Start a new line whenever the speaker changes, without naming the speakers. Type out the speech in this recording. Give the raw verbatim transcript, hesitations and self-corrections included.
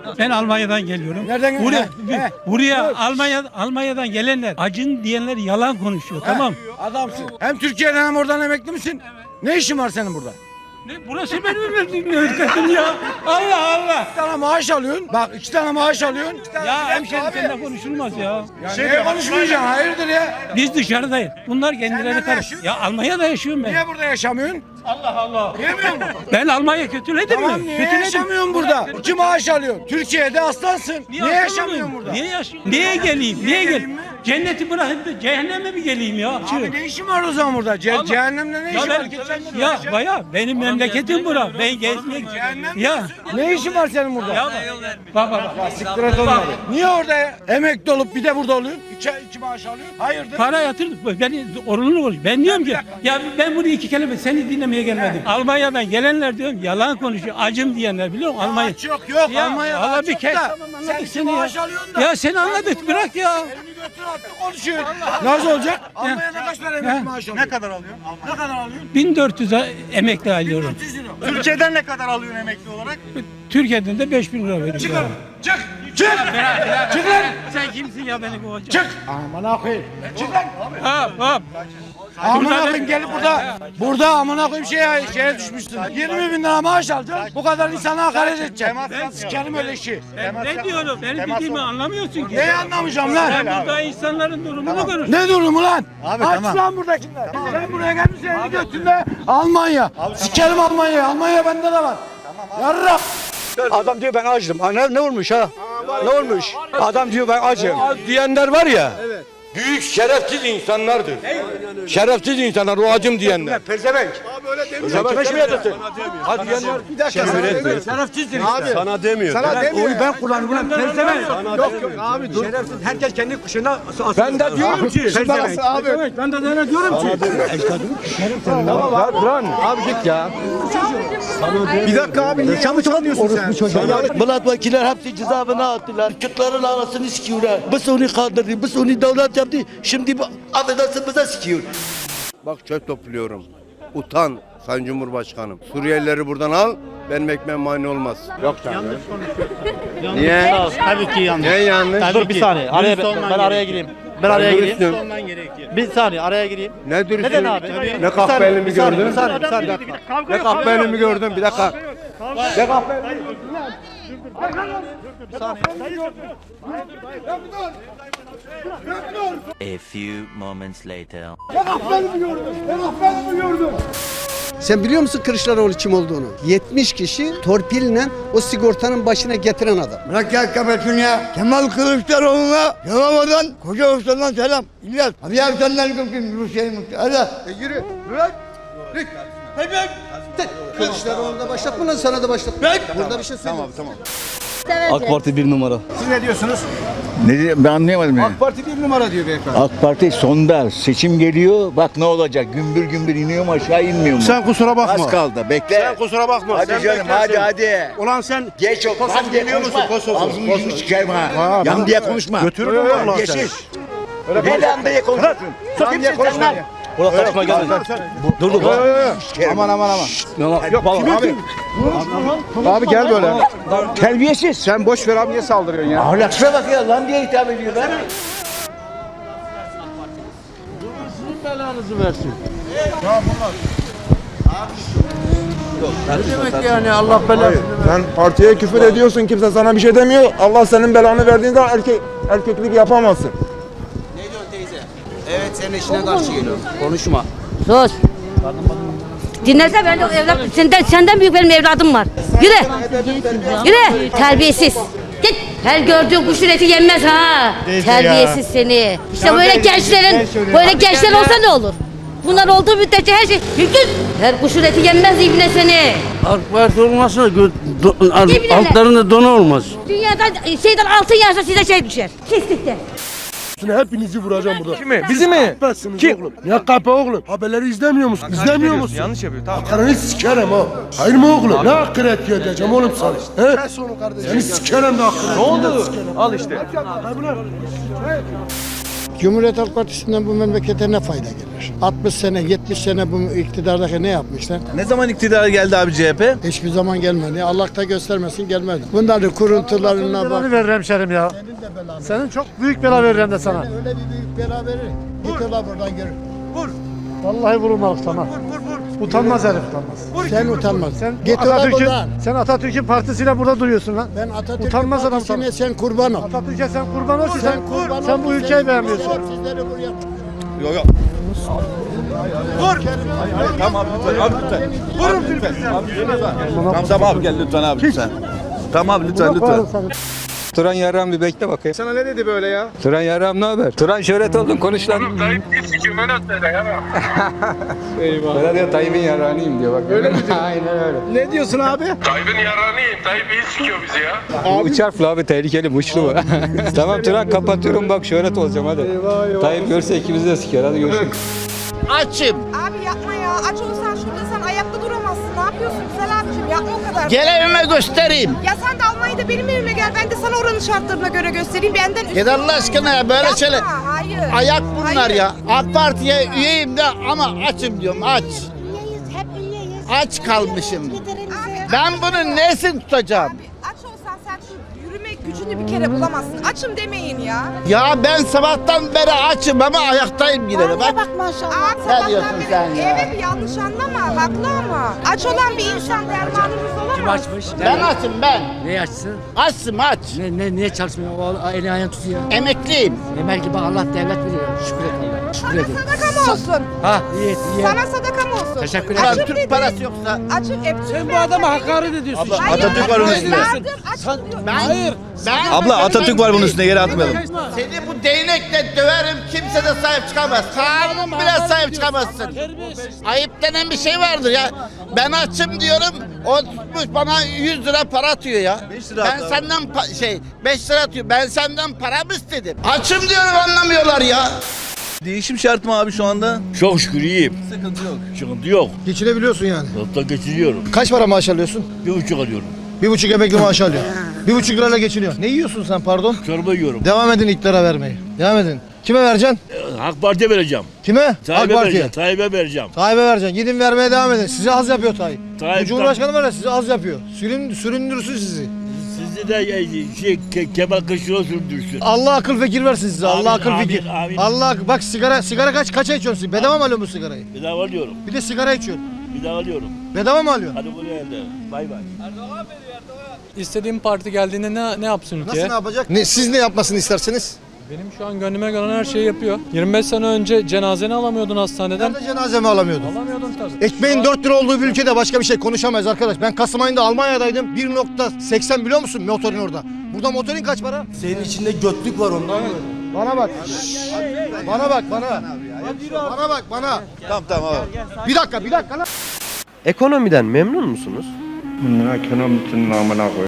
Ben Almanya'dan geliyorum.
Nereden
Buraya,
geliyorsun? He.
buraya Almanya Almanya'dan gelenler acın diyenler yalan konuşuyor. Tamam.
Adamsın. Hem Türkiye'den hem oradan emekli misin? Ne işin var senin burada?
Ne, burası benim memleketim ya. Allah Allah.
İki tane maaş alıyorsun. Bak iki tane maaş alıyorsun. iki tane
Ya
bilet
hemşerim
abi.
seninle konuşulmaz ya.
Ya neye konuşmayacaksın? Hayırdır ya?
Biz dışarıdayız. Bunlar kendileri
nerede
karış.
yaşıyorsun?
Ya Almanya'da yaşıyorum ben.
Niye burada yaşamıyorsun?
Allah Allah.
Diyemiyor musun?
Ben Almanya kötüledim
Tamam
mi?
niye
Kötüledim.
yaşamıyorsun burada? İki maaş alıyorsun. Türkiye'de aslansın. Niye,
aslanım
yaşamıyorsun
ben?
burada?
Niye yaşıyorum? Niye geleyim? Niye,
geleyim
geleyim?
mi?
Cenneti bırakıp da cehenneme mi geleyim ya?
Abi ne işin var o zaman burada? Ce
Allah-
cehennemde ne
Ya
işin var?
ben,
Geçen gün
ya
öyle-
baya benim memleketim bura. Ben gezmek.
Cehennem
Ya.
Ne işin var senin burada?
Ya bak bak bak.
Siktir et onları. Niye orada ya? Emekli olup bir de burada oluyorsun? İki, iki maaş alıyorsun. Hayırdır?
Para yatırdık. Beni orunlu konuş. Ben diyorum ki ya ben bunu iki kelime seni dinlemeye gelmedim. Almanya'dan gelenler diyorum yalan konuşuyor. Acım diyenler biliyor musun? Almanya.
Aç yok yok.
Ya,
Almanya'da
valla
aç
bir
yok
kez
da.
tamam,
Sen
anladık
iki
seni ya.
maaş alıyorsun da.
Ya seni anladık bırak ya.
Elini götür attı konuşuyor. Nasıl olacak? Almanya'da kaç para emekli
Ya.
maaş alıyorsun?
Ne kadar alıyorsun?
Ne kadar alıyorsun?
bin dört yüz emekli alıyorum.
dört yüz lira.
Türkiye'den ne kadar alıyorsun emekli olarak?
Türkiye'den de beş bin lira veriyorum.
Çık lan. Çık. Çık. Çık lan.
Sen kimsin ya beni kovacak?
Çık. Aman akıyım. Çık lan.
Hop hop.
Aman akıyım gelip burada. Burada aman akıyım şeye, şeye düşmüşsün. yirmi bin lira maaş alacaksın. Bu kadar insana hakaret edeceksin.
Temas
Ben
yapmıyor.
sikerim öyle işi.
Ben ne diyorum? Benim
Temas
dediğimi
olmaz.
anlamıyorsun ki.
Neyi anlamayacağım lan?
Sen burada insanların durumunu konuş.
Ne durumu lan?
Abi,
Aç
tamam.
lan buradakiler. Sen buraya gelmişsin elini götünde Almanya. Sikerim Almanya'yı. Almanya bende de var. Yarra.
Adam diyor ben acım. Ha, Ne, ne olmuş ha? Ne olmuş? Adam diyor ben acım. Diyenler var ya. Büyük şerefsiz insanlardır. Şerefsiz insanlar o acım diyenler. Pezevenk. Abi öyle demiyor. Sen kime şöyle diyorsun? Ha diyenler. Bir dakika. Şerefsizdir işte.
Sana demiyor.
Sana demiyor. Oyu ben kullanıyorum ulan pezevenk. Yok yok abi dur. Şerefsiz. Herkes kendi kuşuna asıyor. Ben de diyorum ki. Pezevenk. Abi. Ben de sana diyorum ki. Tamam abi. Lan. Abi git ya.
Bir dakika abi niye yanlış anlıyorsun sen?
Milletvekiller hepsi cezaevine attılar. Kırkların arasını sikiyorlar. Biz onu kaldırdı, biz onu devlet yaptı. Şimdi bu affedersin bize sikiyor.
Bak çöp topluyorum. Utan Sayın Cumhurbaşkanım. Suriyelileri buradan al. Benim ekmeğim mani olmaz. Yok canım. Niye?
Tabii ki yanlış.
Niye yanlış?
Dur bir saniye. Araya ben, ben araya gireyim. Ben araya gireyim.
Dürüstüm.
Bir saniye araya gireyim.
Ne dürüstüm?
Neden abi?
Ne
Bir
kahpe
saniye,
elimi
bir saniye,
gördün?
Bir saniye, bir saniye.
Ne kahpe elimi gördün? Bir dakika. Ne kahpe
A few moments later.
Sen biliyor musun Kılıçdaroğlu kim olduğunu? yetmiş kişi torpille o sigortanın başına getiren adam.
Bırak gel kapatın ya. Kemal Kılıçdaroğlu'na Yalova'dan Koca Usta'dan selam. İlyas. Hadi ya senden kopayım Rusya'yı mutlu. Hadi.
E yürü. Bırak. Kılıçdaroğlu da başlatma lan sana da başlatma. Burada bir şey söyleyeyim. Tamam
AK Parti bir numara.
Siz ne diyorsunuz?
Ne diyor? Ben anlayamadım yani.
AK Parti bir numara diyor beyefendi.
AK Parti sonda seçim geliyor. Bak ne olacak? Gümbür gümbür iniyor mu aşağı inmiyor mu?
Sen kusura bakma.
Az kaldı. Bekle.
Sen kusura bakma.
Hadi
Sen
canım
beklersin.
hadi hadi.
Ulan sen
Geç o.
Kosov
Lan diye
biliyor musun?
konuşma.
Kosov.
Ağzını yüzünü sikerim ha. Yan diye konuşma.
Götürürüm vallahi
Geçiş.
seni.
Ne lan diye konuşuyorsun?
Lan diye konuşma.
Ulan karışma gel. Dur dur.
Aman aman aman.
Yok
Abi. Abi gel böyle.
Terbiyesiz.
Sen boş ver abi niye saldırıyorsun ya?
Ahlaksıza bak ya lan diye hitap ediyorlar.
Sen partiye küfür ediyorsun. Kimse sana bir şey demiyor. Allah senin belanı verdiğinde erkek erkeklik yapamazsın.
Sus. Dinlese ben de evlat, senden, senden büyük benim evladım var. Yürü. Yürü. Terbiyesiz. Git. Her gördüğün kuşun eti yenmez ha. Terbiyesiz seni. İşte böyle gençlerin, böyle gençler olsa ne olur? Bunlar olduğu müddetçe her şey mümkün. Her kuşun eti yenmez ibne seni.
AK Parti olmazsa
İbneler.
altlarında donu olmaz.
Dünyadan şeyden altın yağsa size şey düşer. Kestikte.
Hepinizi vuracağım burada. Kimi? Bizi mi? Kim? Oğlum. Ya kapı oğlum. Haberleri izlemiyor musun? İzlemiyor musun? Yanlış yapıyor. Tamam. Karını sikerim ha. Hayır mı oğlum? Ne akıret edeceğim oğlum sana? He? Kes onu kardeşim. Seni sikerim de akıret. Ne oldu? Al işte.
Cumhuriyet Halk Partisi'nden bu memlekete ne fayda gelir? altmış sene, yetmiş sene bu iktidardaki ne yapmışlar?
Ne zaman iktidara geldi abi C H P?
Hiçbir zaman gelmedi. Allah da göstermesin gelmedi. Bunların kuruntularına bak.
verir hemşerim ya. Senin çok büyük bela veririm de sana.
Öyle bir büyük bela verir. Git ola buradan görür.
Vallahi vurulmalık sana. Utanmaz herif utanmaz.
Sen utanmaz.
Sen
Git ola
Atatürk'ün,
buradan.
sen Atatürk'ün partisiyle burada duruyorsun lan.
Ben Atatürk'ün
Utanmaz adam
partisine sen kurban ol.
Atatürk'e sen kurban olsun. Sen,
kurban
sen
ol.
bu ülkeyi beğenmiyorsun.
Sizleri buraya
Yok yok. Tamam abi lütfen abi lütfen. Vurun lütfen. Tamam tamam abi gel lütfen abi lütfen. Tamam lütfen lütfen.
Turan Yarram bir bekle bakayım.
Sana ne dedi böyle ya?
Turan Yarram ne haber? Turan şöhret oldun konuş lan. Oğlum Tayyip bir sikim öyle söyle ya. Eyvah. Böyle diyor Tayyip'in yarrağınıyım diyor bak. Öyle mi diyor? Aynen öyle.
Ne diyorsun abi?
Tayyip'in yararıyım. Tayyip iyi sikiyor bizi ya.
Üç harfli abi tehlikeli muşlu bu. Tamam Turan kapatıyorum bak şöhret olacağım hadi. Eyvah eyvah. Tayyip görse ikimizi de siker hadi görüşürüz.
Açım.
Abi yapma ya. Aç olsan şurada sen ayakta duramazsın. Ne yapıyorsun güzel abicim? Yapma o kadar.
Gel evime göstereyim.
Ya sen de Almanya'da benim evime gel. Ben de sana oranın şartlarına göre göstereyim. Benden üstün.
Gel Allah aşkına ya böyle
Yapma,
şeyler.
hayır.
Ayak bunlar
Hayır.
ya. AK Parti'ye üyeyim de ama açım diyorum aç. Aç kalmışım. Ben bunun nesini tutacağım?
Abi aç olsan sen şu yürüme gücünü bir kere bulamazsın. Açım demeyin ya.
Ya ben sabahtan beri açım ama ayaktayım yine de bak.
Bak maşallah. Abi
Ne
sabahtan
diyorsun
beri-
sen ya?
Evet yanlış anlama. Haklı ama. Aç olan bir insan dermanımız olamaz.
Ben açım ben.
Ne açsın?
Açım aç.
Ne, ne, niye çalışmıyor? O eli ayağını tutuyor.
Emekliyim.
Demek ki bak Allah devlet veriyor. Şükür et Allah'a. Şükür
Sana
edin.
sadaka mı olsun?
Ha iyi et iyi.
Sana sadaka mı olsun?
Teşekkür
Ulan
Açım
Türk
dedin.
parası yoksa.
Açım. E,
Sen bu adama hakaret ediyorsun.
Hayır,
Atatürk var onun üstünde.
Yardım, açım diyor.
Ben, Hayır. Ben,
Abla, Atatürk var bunun üstünde,
yere atmayalım. Seni bu değnekle döverim kimse de sahip çıkamaz. Kanun bile sahip çıkamazsın. Ayıp denen bir şey vardır ya. Ben açım diyorum. O tutmuş bana yüz lira para atıyor ya. Ben senden pa- şey beş lira atıyor. Ben senden para mı istedim? Açım diyorum anlamıyorlar ya.
Değişim şart mı abi şu anda?
Çok şükür iyiyim.
Sıkıntı yok.
Sıkıntı yok.
Geçinebiliyorsun yani.
Hatta geçiriyorum.
Kaç para maaş alıyorsun?
Bir buçuk alıyorum.
Bir buçuk emekli maaş alıyor. Bir buçuk lirayla geçiniyor. Ne yiyorsun sen pardon?
Çorba yiyorum.
Devam edin iktidara vermeyi. Devam edin. Kime vereceksin?
AK Parti'ye vereceğim.
Kime? AK
Tayyip'e
Parti'ye.
vereceğim. Tayyip'e vereceğim.
Tayyip'e vereceksin. Gidin vermeye devam edin. Size az yapıyor Tayyip.
Tayyip-
Bu Cumhurbaşkanı var ya size az yapıyor. Sürün, süründürsün sizi.
Sizi de e, şey, Ke- Kemal Kılıçdaroğlu sürdürsün.
Allah akıl fikir versin size.
Amin,
Allah akıl
amin,
fikir.
amin.
Allah bak sigara sigara kaç kaça içiyorsun? siz? Bedava mı alıyorsun bu sigarayı?
Bedava alıyorum.
Bir de sigara içiyorsun.
Bedava alıyorum.
Bedava mı alıyorsun?
Hadi buraya elde. Bay bay.
İstediğim parti geldiğinde ne, ne yapsın
Nasıl ne yapacak? Ne, siz ne yapmasını istersiniz?
Benim şu an gönlüme gelen her şeyi yapıyor. yirmi beş sene önce cenazeni alamıyordun hastaneden.
Nerede cenazemi alamıyordum?
Alamıyordun tabii.
Ekmeğin dört lira olduğu bir ülkede başka bir şey konuşamayız arkadaş. Ben Kasım ayında Almanya'daydım. bir nokta seksen biliyor musun motorin orada? Burada motorin kaç para?
Senin içinde götlük var ondan.
Bana bak. Bana bak bana. Bana bak bana.
Tamam tamam abi.
Bir dakika bir dakika lan.
Ekonomiden memnun musunuz?
Ekonominin namına koy.